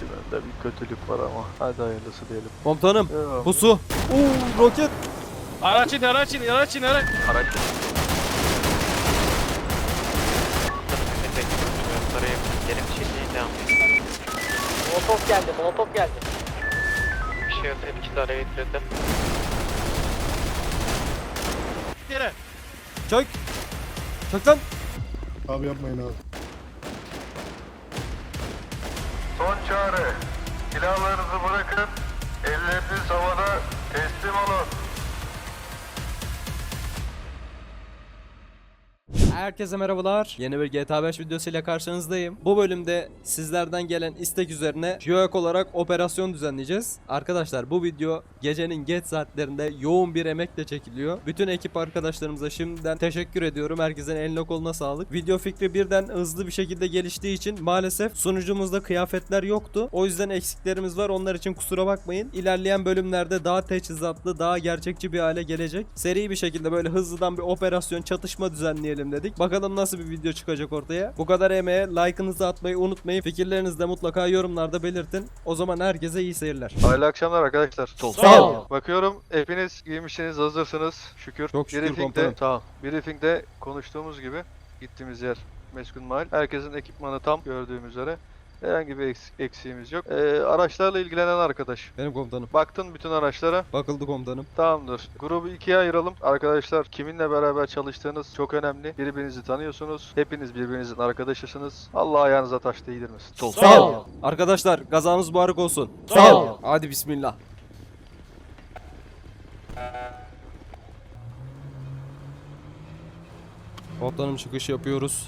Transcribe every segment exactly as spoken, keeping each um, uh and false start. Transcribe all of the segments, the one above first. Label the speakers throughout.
Speaker 1: İçimde bir kötülük var ama hadi hayırlısı diyelim.
Speaker 2: Komutanım
Speaker 1: Devam.
Speaker 2: pusu. Uuu roket.
Speaker 3: Araç in, araç in, araç in, araç.
Speaker 4: Araç. Gelin çekmeyin devam.
Speaker 5: Molotof geldi, molotof geldi.
Speaker 4: Bir şey yok, hep araya getirdi.
Speaker 3: Yere.
Speaker 2: Çök. Çök lan.
Speaker 6: Abi yapmayın abi.
Speaker 1: Son çağrı. Silahlarınızı bırakın. Elleriniz havada. Teslim olun.
Speaker 2: Herkese merhabalar. Yeni bir G T A beş videosuyla karşınızdayım. Bu bölümde sizlerden gelen istek üzerine JOEK olarak operasyon düzenleyeceğiz. Arkadaşlar bu video gecenin geç saatlerinde yoğun bir emekle çekiliyor. Bütün ekip arkadaşlarımıza şimdiden teşekkür ediyorum. Herkesin eline koluna sağlık. Video fikri birden hızlı bir şekilde geliştiği için maalesef sunucumuzda kıyafetler yoktu. O yüzden eksiklerimiz var. Onlar için kusura bakmayın. İlerleyen bölümlerde daha teçhizatlı, daha gerçekçi bir hale gelecek. Seri bir şekilde böyle hızlıdan bir operasyon, çatışma düzenleyelim dedik. Bakalım nasıl bir video çıkacak ortaya. Bu kadar emeğe like'ınızı atmayı unutmayın. Fikirlerinizi de mutlaka yorumlarda belirtin. O zaman herkese iyi seyirler.
Speaker 1: Hayırlı akşamlar arkadaşlar.
Speaker 2: Sağ ol.
Speaker 1: Bakıyorum hepiniz giymişsiniz, hazırsınız. Şükür.
Speaker 2: Çok şükür
Speaker 1: Briefingde,
Speaker 2: komutanım.
Speaker 1: tamam. Briefingde konuştuğumuz gibi gittiğimiz yer Meskun Mahal. Herkesin ekipmanı tam gördüğüm üzere. Herhangi bir eks- eksiğimiz yok. Ee, araçlarla ilgilenen arkadaş.
Speaker 2: Benim komutanım.
Speaker 1: Baktın bütün araçlara.
Speaker 2: Bakıldı komutanım.
Speaker 1: Tamamdır. Grubu ikiye ayıralım. Arkadaşlar kiminle beraber çalıştığınız çok önemli. Birbirinizi tanıyorsunuz. Hepiniz birbirinizin arkadaşısınız. Allah ayağınıza taş değdirmesin.
Speaker 2: Sağ ol. Arkadaşlar gazanız mübarek olsun.
Speaker 3: Sağ ol.
Speaker 2: Hadi bismillah. Komutanım çıkış yapıyoruz.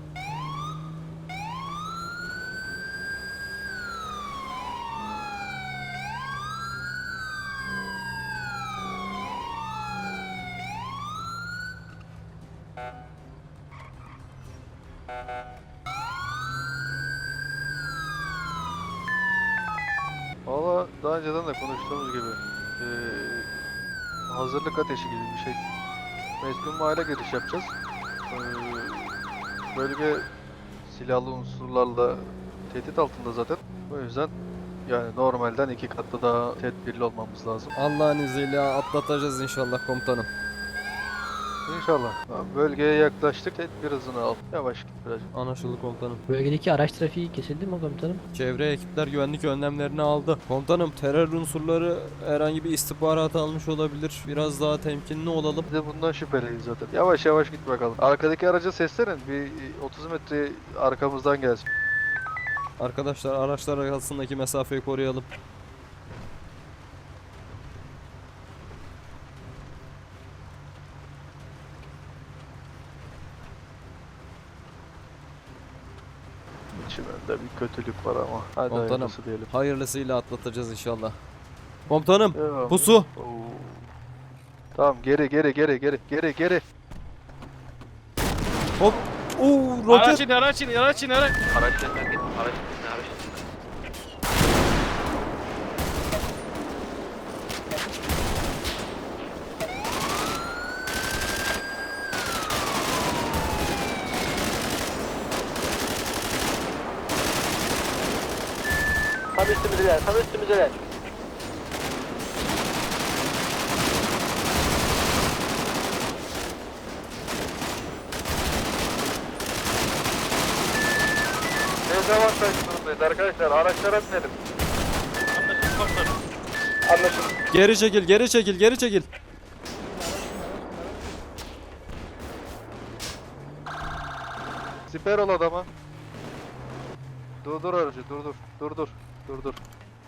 Speaker 1: Valla daha önceden de konuştuğumuz gibi eee, hazırlık ateşi gibi bir şey. Meskun Mahal'e giriş yapacağız. Eee, bölge silahlı unsurlarla tehdit altında zaten. O yüzden yani normalden iki katlı daha tedbirli olmamız lazım.
Speaker 2: Allah'ın izniyle atlatacağız inşallah komutanım.
Speaker 1: İnşallah. Tamam, bölgeye yaklaştık. Tedbir hızını al. Yavaş git biraz.
Speaker 2: Anlaşıldı komutanım.
Speaker 5: Bölgedeki araç trafiği kesildi mi komutanım?
Speaker 2: Çevre ekipler güvenlik önlemlerini aldı. Komutanım terör unsurları herhangi bir istihbarat almış olabilir. Biraz daha temkinli olalım.
Speaker 1: Biz de bundan şüpheliyiz zaten. Yavaş yavaş git bakalım. Arkadaki araca seslenin. Bir otuz metre arkamızdan gelsin.
Speaker 2: Arkadaşlar araçlar arasındaki mesafeyi koruyalım.
Speaker 1: İçimde bir kötülük var ama. Hadi
Speaker 2: Komutanım.
Speaker 1: hayırlısı diyelim.
Speaker 2: Hayırlısıyla atlatacağız inşallah. Komutanım
Speaker 1: Devam.
Speaker 2: pusu.
Speaker 1: Oo. Tamam geri geri geri geri geri geri.
Speaker 2: Hop. Uuu
Speaker 3: Araç
Speaker 2: roket.
Speaker 3: in, araç in, araç in, araç.
Speaker 4: Araç yeniden git, araç yeniden, araç yeniden.
Speaker 5: Tam üstümüzdeler, tam üstümüzdeler.
Speaker 1: Dezavantaj durumdayız arkadaşlar. Araçlara binelim.
Speaker 3: Anlaşıldı komutanım.
Speaker 1: Anlaşıldı.
Speaker 2: Geri çekil geri çekil geri çekil.
Speaker 1: Siper ol adama. Dur dur aracı dur dur dur dur dur dur.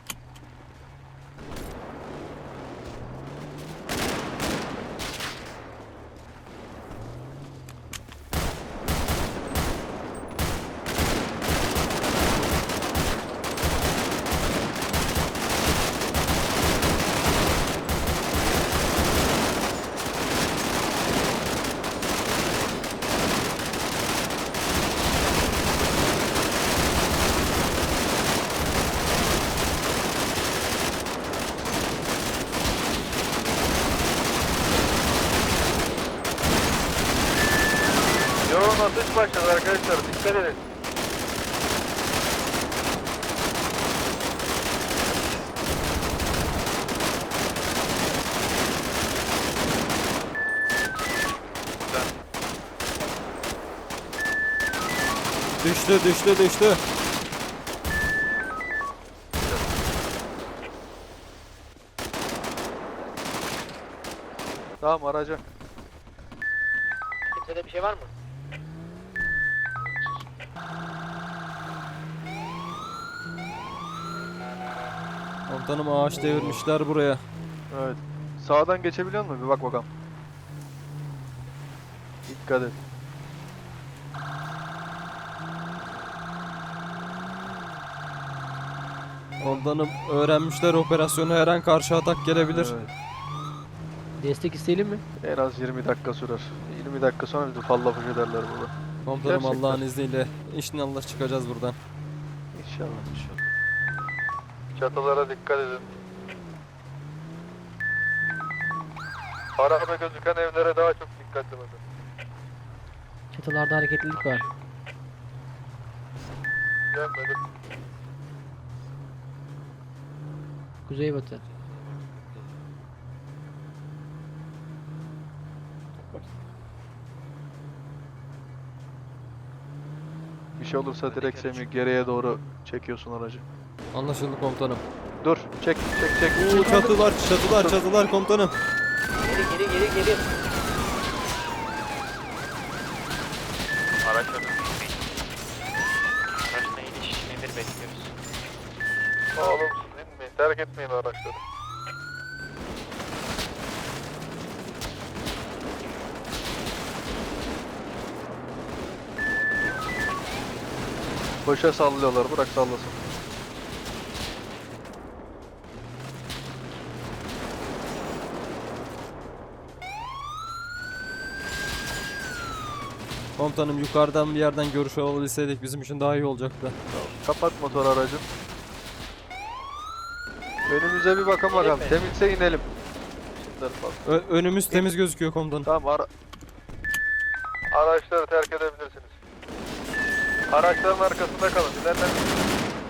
Speaker 1: Yoğun atış başladı arkadaşlar. Dikkat edin.
Speaker 2: Düştü düştü düştü.
Speaker 1: Tamam araca.
Speaker 5: Kimsede bir şey var mı?
Speaker 2: Komutanım ağaç devirmişler buraya.
Speaker 1: Evet. Sağdan geçebiliyor musun? Bir bak bakalım. Dikkat et.
Speaker 2: Komutanım öğrenmişler operasyonu, her an karşı atak gelebilir.
Speaker 1: Evet.
Speaker 5: Destek isteyelim mi?
Speaker 1: En az yirmi dakika sürer. yirmi dakika sonra bizi falla push ederler burada.
Speaker 2: Komutanım
Speaker 1: Gerçekten.
Speaker 2: Allah'ın izniyle inşallah çıkacağız buradan.
Speaker 1: İnşallah. Çatılara dikkat edin. Araba gözüken evlere daha çok dikkatli bakın.
Speaker 5: Çatılarda hareketlilik var.
Speaker 1: Gelmedim.
Speaker 5: Kuzeybatı.
Speaker 1: Bir şey olursa direkt Semih geriye doğru çekiyorsun aracı.
Speaker 2: Anlaşıldı komutanım.
Speaker 1: Dur, çek, çek, çek.
Speaker 2: Oo, çatılar çatılar çatılar komutanım.
Speaker 5: Geri geri geri geri.
Speaker 4: Araç önü. Araçla iniş nedir bekliyoruz.
Speaker 1: Oğlum siz inmeyin, terk etmeyin araçları. Boşa sallıyorlar, bırak sallasın.
Speaker 2: Komutanım yukarıdan bir yerden görüş alabilseydik bizim için daha iyi olacaktı.
Speaker 1: Kapat motor aracın. Önümüze bir bakın bakalım, temizse inelim. Şimdi bak.
Speaker 2: Ö- önümüz temiz gözüküyor komutanım.
Speaker 1: Tamam, ara araçları terk edebilirsiniz. Araçların arkasında kalın, ilerlemeyin.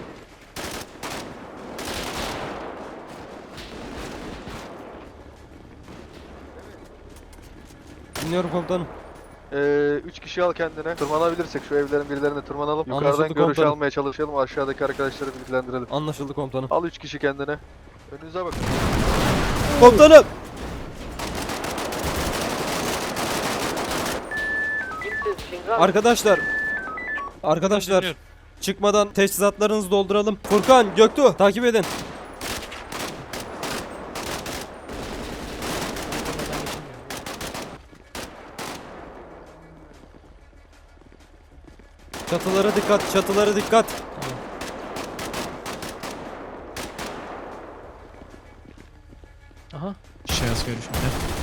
Speaker 2: Dinliyorum komutanım.
Speaker 1: Ee, üç kişi al kendine. Tırmanabilirsek şu evlerin birilerine tırmanalım. Yukarıdan
Speaker 2: Anlaşıldı
Speaker 1: görüş
Speaker 2: komutanım.
Speaker 1: almaya çalışalım. Aşağıdaki arkadaşları bilgilendirelim.
Speaker 2: Anlaşıldı komutanım.
Speaker 1: Al üç kişi kendine. Önünüze bakın.
Speaker 2: Komutanım!
Speaker 5: Kimsiz Şingal.
Speaker 2: Arkadaşlar. Arkadaşlar.
Speaker 3: Dinliyorum.
Speaker 2: Çıkmadan teçhizatlarınızı dolduralım. Furkan, Göktuğ takip edin. Çatılara dikkat, çatılara dikkat.
Speaker 5: Aha.
Speaker 7: Şahıs görüşümde.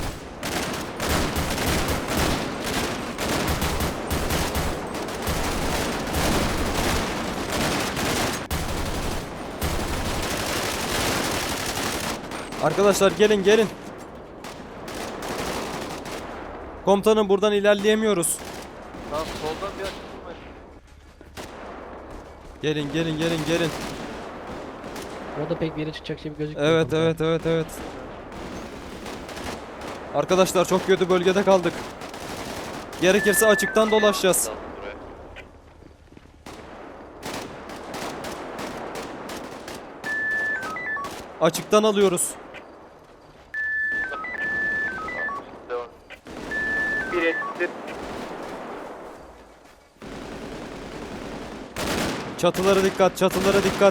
Speaker 2: Arkadaşlar gelin gelin. Komutanım buradan ilerleyemiyoruz.
Speaker 1: Tamam, soldan bir açılmayın.
Speaker 2: Gelin gelin gelin gelin.
Speaker 5: Orada pek bir yere çıkacak şey gözükmüyor.
Speaker 2: Evet
Speaker 5: komutanım.
Speaker 2: evet evet evet. Arkadaşlar çok kötü bölgede kaldık. Gerekirse açıktan dolaşacağız.
Speaker 4: Daldım buraya.
Speaker 2: Açıktan alıyoruz.
Speaker 1: Devam.
Speaker 4: Bir ettir.
Speaker 2: Çatılara dikkat, çatılara dikkat.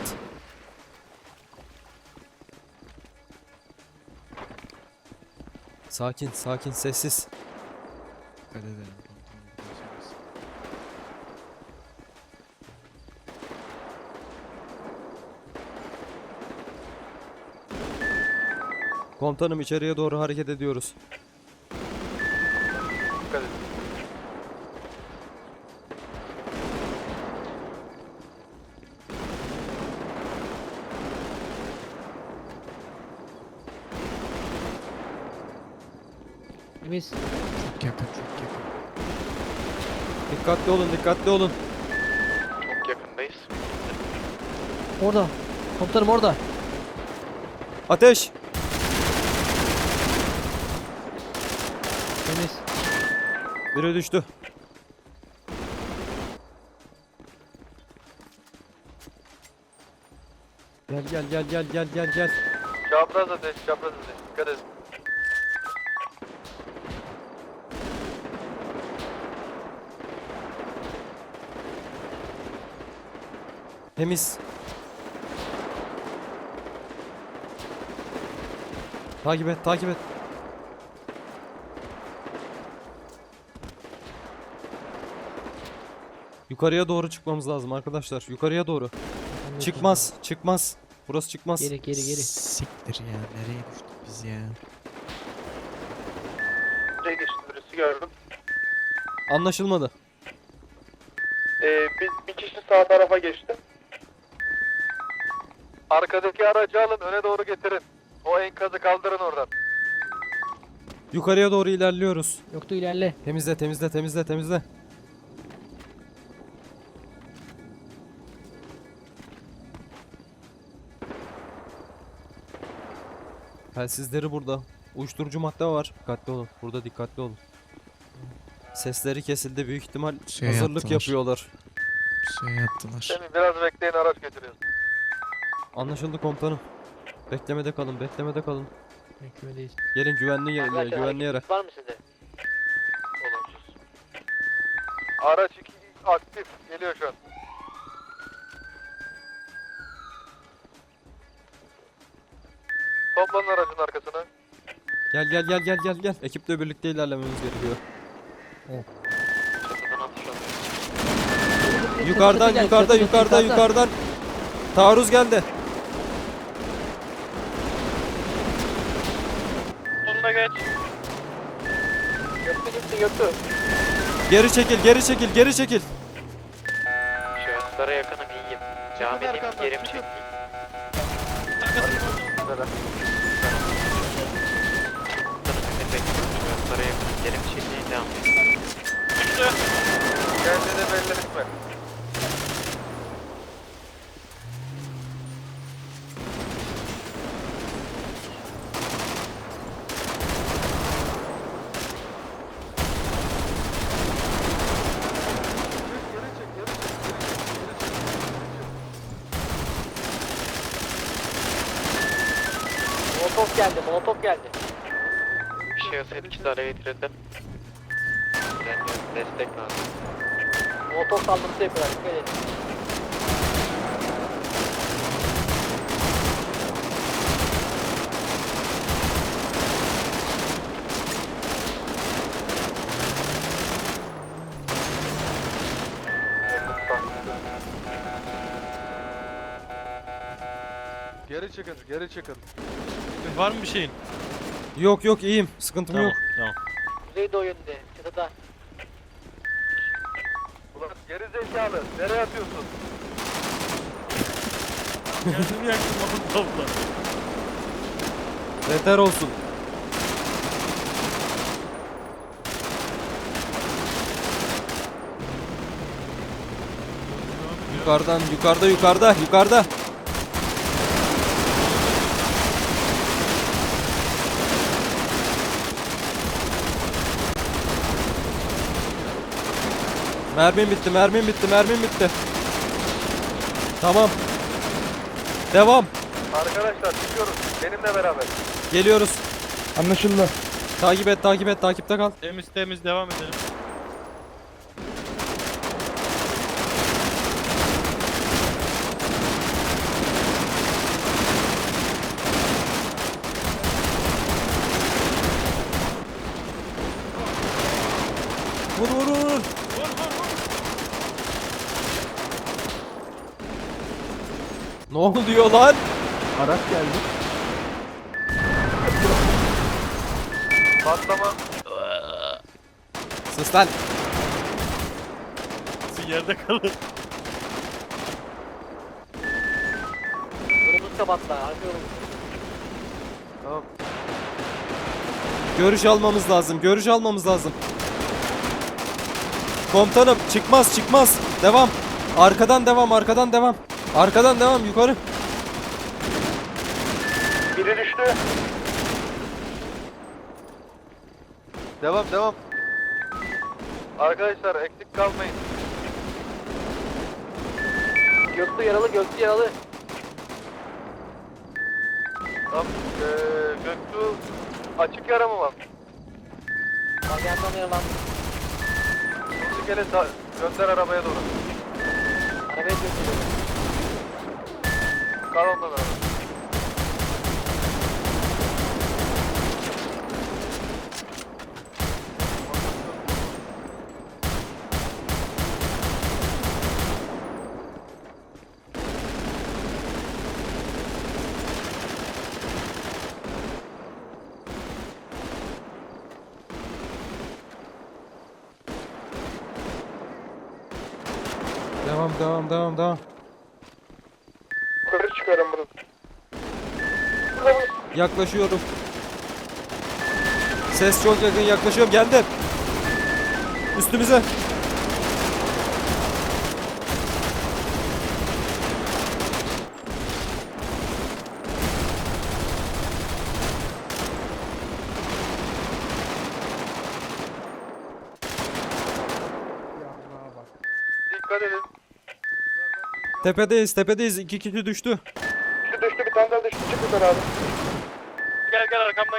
Speaker 2: Sakin, sakin, sessiz.
Speaker 7: Dikkat edelim. komutanım, biliyorsunuz.
Speaker 2: Komutanım içeriye doğru hareket ediyoruz.
Speaker 1: Dikkat edin.
Speaker 5: Temiz.
Speaker 7: Çok yakın, çok yakın.
Speaker 2: Dikkatli olun, dikkatli olun.
Speaker 4: Çok yakındayız.
Speaker 5: Orada. Komutanım orada.
Speaker 2: Ateş!
Speaker 5: Temiz.
Speaker 2: Biri düştü. Gel gel gel gel gel gel gel.
Speaker 1: Çapraz ateş, çapraz ateş. Dikkat edin.
Speaker 2: Temiz. Takip et, takip et. Yukarıya doğru çıkmamız lazım arkadaşlar. Yukarıya doğru. Çıkmaz, çıkmaz. Burası çıkmaz.
Speaker 5: Geri geri geri.
Speaker 7: Siktir ya. Nereye düştük biz ya?
Speaker 1: Buraya geçti birisi gördüm.
Speaker 2: Anlaşılmadı.
Speaker 1: Ee, bir, bir kişi sağ tarafa geçti. Arkadaki aracı alın, öne doğru getirin. O enkazı kaldırın oradan.
Speaker 2: Yukarıya doğru ilerliyoruz.
Speaker 5: Yoktu ilerle.
Speaker 2: Temizle, temizle, temizle, temizle. Telsizleri burada. Uyuşturucu madde var. Dikkatli olun. Burada dikkatli olun. Sesleri kesildi. Büyük ihtimal
Speaker 7: Şey
Speaker 2: hazırlık
Speaker 7: yaptılar.
Speaker 2: yapıyorlar.
Speaker 7: Şey yaptılar.
Speaker 1: Semih biraz bekleyin, araç götürüyoruz.
Speaker 2: Anlaşıldı komutanım. Beklemede kalın, beklemede kalın.
Speaker 5: Beklemedeyiz.
Speaker 2: Gelin güvenli yere, güvenli yere.
Speaker 4: Var mı sizde?
Speaker 1: Olumsuz. Araç iki aktif, geliyor şu an. Toplanın aracın arkasına.
Speaker 2: Gel gel gel gel gel gel. Ekiple birlikte ilerlememiz gerekiyor.
Speaker 4: Çatıdan atış alıyor.
Speaker 2: Yukarıdan,
Speaker 5: Çatı gel,
Speaker 2: yukarıda,
Speaker 5: çatı,
Speaker 2: yukarıda,
Speaker 5: yukarıda.
Speaker 2: yukarıdan. Taarruz geldi.
Speaker 3: Sonuna geç.
Speaker 1: Göktü gitti, göktü.
Speaker 2: Geri çekil, geri çekil, geri çekil.
Speaker 4: Şahıslara yakınım iyiyim. Caminin yerim çekti.
Speaker 1: Neden?
Speaker 4: Şahıslara yakınım yerim çekti. Devam edin.
Speaker 3: Düştü.
Speaker 1: Kendini belli etme.
Speaker 5: Molotof geldi, molotof geldi.
Speaker 4: Şahıs etkisi araya getirildi. İlerliyorum. Destek lazım.
Speaker 5: Molotof saldırısı yapıyorlar. Dikkat edin.
Speaker 1: Geri çıkın, geri çıkın.
Speaker 3: Var mı bir şeyin?
Speaker 2: Yok yok iyiyim. Sıkıntım
Speaker 3: Tamam,
Speaker 2: yok.
Speaker 3: tamam.
Speaker 5: Kuzeydoğu yönünde, çatıda.
Speaker 1: Ulan geri zekalı, nereye atıyorsun?
Speaker 3: Kendimi yaktım oğlum topla.
Speaker 2: Beter olsun. Yukarıdan, yukarıda, yukarıda, yukarıda. Mermim bitti, mermim bitti, mermim bitti. Tamam. Devam.
Speaker 1: Arkadaşlar çıkıyoruz, benimle beraber.
Speaker 2: Geliyoruz.
Speaker 6: Anlaşıldı.
Speaker 2: Takip et, takip et, takipte kal.
Speaker 3: Temiz temiz devam edelim.
Speaker 2: Vur vur vur.
Speaker 3: Vur vur vur.
Speaker 2: Ne oluyor lan?
Speaker 6: Araç geldi.
Speaker 1: Patlama.
Speaker 2: Sus lan.
Speaker 3: Siz yerde kalın.
Speaker 5: Yolumuz kapattılar, arka yolumuz.
Speaker 1: Tamam.
Speaker 2: Görüş almamız lazım. Görüş almamız lazım. Komutanım çıkmaz çıkmaz. Devam. Arkadan devam arkadan devam. Arkadan devam yukarı.
Speaker 1: Biri düştü. Devam, devam. Arkadaşlar eksik kalmayın.
Speaker 5: Göktü yaralı, göktü yaralı.
Speaker 1: Tamam. Ee, Göktuğ açık yara mı var?
Speaker 5: Yandan yaralandım.
Speaker 1: Şimdi gelin sa- gönder arabaya doğru.
Speaker 5: Arabaya götürüyorum.
Speaker 1: Kal ondan araba.
Speaker 2: Devam devam devam devam.
Speaker 1: Yukarı çıkarım bunu.
Speaker 2: Yaklaşıyorum. Ses çok yakın, yaklaşıyorum. Geldim. Üstümüze.
Speaker 1: Dikkat edin.
Speaker 2: Tepedeyiz, tepedeyiz. İki kişi düştü.
Speaker 1: Şu düştü, bir tane daha düştü. Çık yukarı abi.
Speaker 3: Gel gel arkamdan.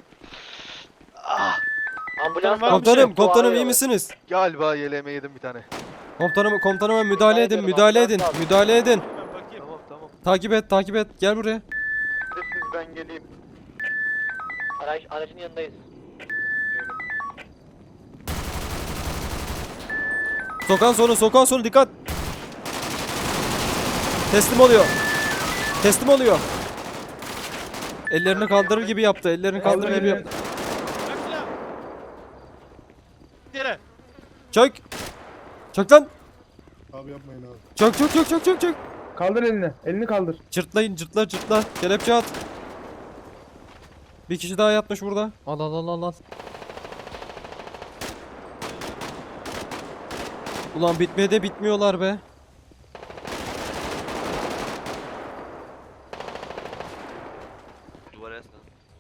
Speaker 5: Ambulans
Speaker 3: Var mı
Speaker 2: Komutanım,
Speaker 3: şey?
Speaker 2: komutanım iyi misiniz?
Speaker 1: Galiba yeleğime yedim bir tane.
Speaker 2: Komutanım, komutanıma müdahale edin,
Speaker 5: ediyorum,
Speaker 2: müdahale edin,
Speaker 5: ambulans lazım.
Speaker 2: müdahale edin.
Speaker 3: Ben bakayım.
Speaker 1: Tamam tamam.
Speaker 2: Takip et, takip et. Gel buraya.
Speaker 1: Siz ben geleyim.
Speaker 5: Araç, aracın yanındayız.
Speaker 2: Sokağın sonu, sokağın sonu dikkat. Teslim oluyor. Teslim oluyor. Ellerini kaldırır gibi yaptı. Ellerini kaldırır gibi yaptı.
Speaker 3: Bırak silahı. Yere.
Speaker 2: Çök. Çök lan.
Speaker 6: Abi yapmayın abi.
Speaker 2: Çök çök çök çök çök çök.
Speaker 6: Kaldır elini. Elini kaldır.
Speaker 2: Cırtlayın, cırtla cırtla. Kelepçe at. Bir kişi daha yatmış burada. Al al al al al. Ulan bitmeye de bitmiyorlar be.
Speaker 4: Duvara yaslan.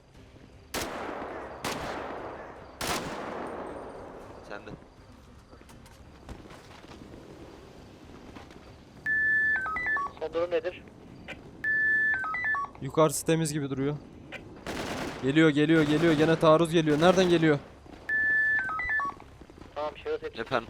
Speaker 4: Sen de.
Speaker 5: Son durum nedir?
Speaker 2: Yukarısı temiz gibi duruyor. Geliyor geliyor geliyor. Gene taarruz geliyor. Nereden geliyor?
Speaker 5: Tamam şahıs hepsi.
Speaker 4: Efendim.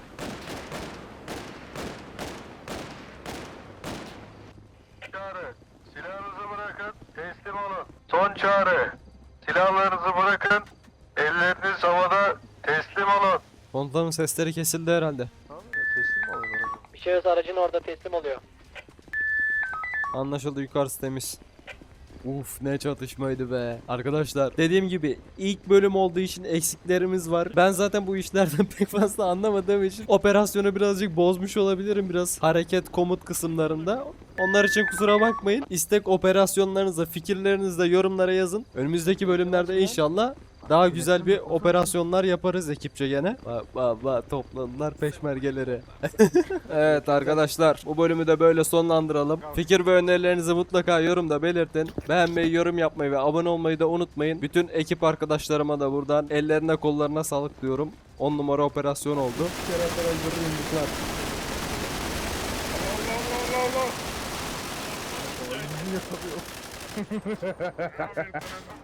Speaker 1: Çağrı. Silahınızı bırakın. Teslim olun. Son çağrı. Silahlarınızı bırakın. Elleriniz havada. Teslim olun.
Speaker 2: Komutanın sesleri kesildi herhalde.
Speaker 1: Tamam ya, teslim mi oluyorlar?
Speaker 5: Bir şahıs aracın orada teslim oluyor.
Speaker 2: Anlaşıldı, yukarısı temiz. Uf ne çatışmaydı be. Arkadaşlar dediğim gibi ilk bölüm olduğu için eksiklerimiz var. Ben zaten bu işlerden pek fazla anlamadığım için operasyonu birazcık bozmuş olabilirim. Biraz hareket komut kısımlarında. Onlar için kusura bakmayın. İstek operasyonlarınızı, fikirlerinizi de yorumlara yazın. Önümüzdeki bölümlerde inşallah daha güzel bir operasyonlar yaparız ekipçe gene. Bak bak bak topladılar peşmergeleri. Evet arkadaşlar bu bölümü de böyle sonlandıralım. Fikir ve önerilerinizi mutlaka yorumda belirtin. Beğenmeyi, yorum yapmayı ve abone olmayı da unutmayın. Bütün ekip arkadaşlarıma da buradan ellerine kollarına sağlık diyorum. on numara operasyon oldu.
Speaker 6: Keratalar yumruklar. Allah Allah Allah Allah.